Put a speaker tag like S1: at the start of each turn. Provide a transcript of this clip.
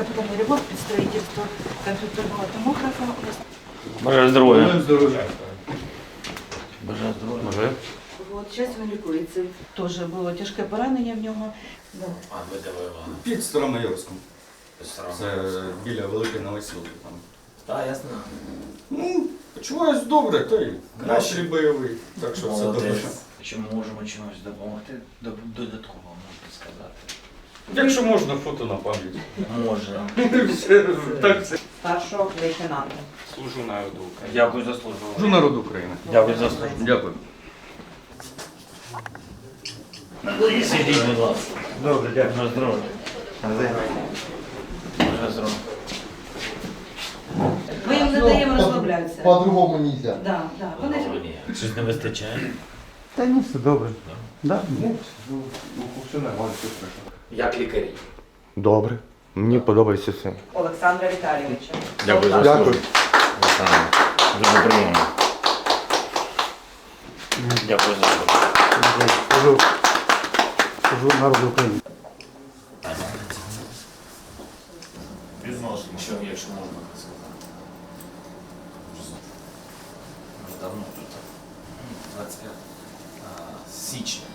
S1: капитальный ремонт под строительство компьютерного томографа.
S2: Бажаю здоров'я.
S3: Здоров'я.
S2: Бажаю здоров'я.
S1: Вот, сейчас він лікується. Теж було тяжке поранення в нього. Да.
S2: А ви де воювали?
S3: Під Старомайорськом.
S2: Старому.
S3: Це біля Великої Новосілки там.
S2: Так, ясно.
S3: Ну, почуваюсь добре, та й настрій бойовий, так що все добре.
S2: Чи ми можемо чимось допомогти додатково, можна сказати?
S3: Якщо можна, фото на пам'ять.
S2: Може.
S3: Так це.
S4: Старшого лейтенанта.
S5: Служу народу України.
S2: Дякую за службу.
S3: Служу народу України.
S2: Дякую за службу.
S3: Дякую.
S2: Сидіть, будь ласка. Добре, дякую. Бажаю здоров'я. Бажаю здоров'я.
S1: Ми їм не даємо розслаблятися.
S6: По-другому нельзя.
S1: Да, да. Вони ж
S2: Щось не вистачає?
S6: Та ні, все добре. Да?
S3: Все нормально, все хорошо.
S2: Як лікарі?
S6: Добре. Мені подобається все.
S4: Олександра Віталійовича.
S2: Дякую за
S6: Дякую.
S2: службу. Дуже приємно. Дякую за службу.
S6: Служу народу України.
S2: Відносно, якщо можна так сказати. Вже давно тут. 25 січня.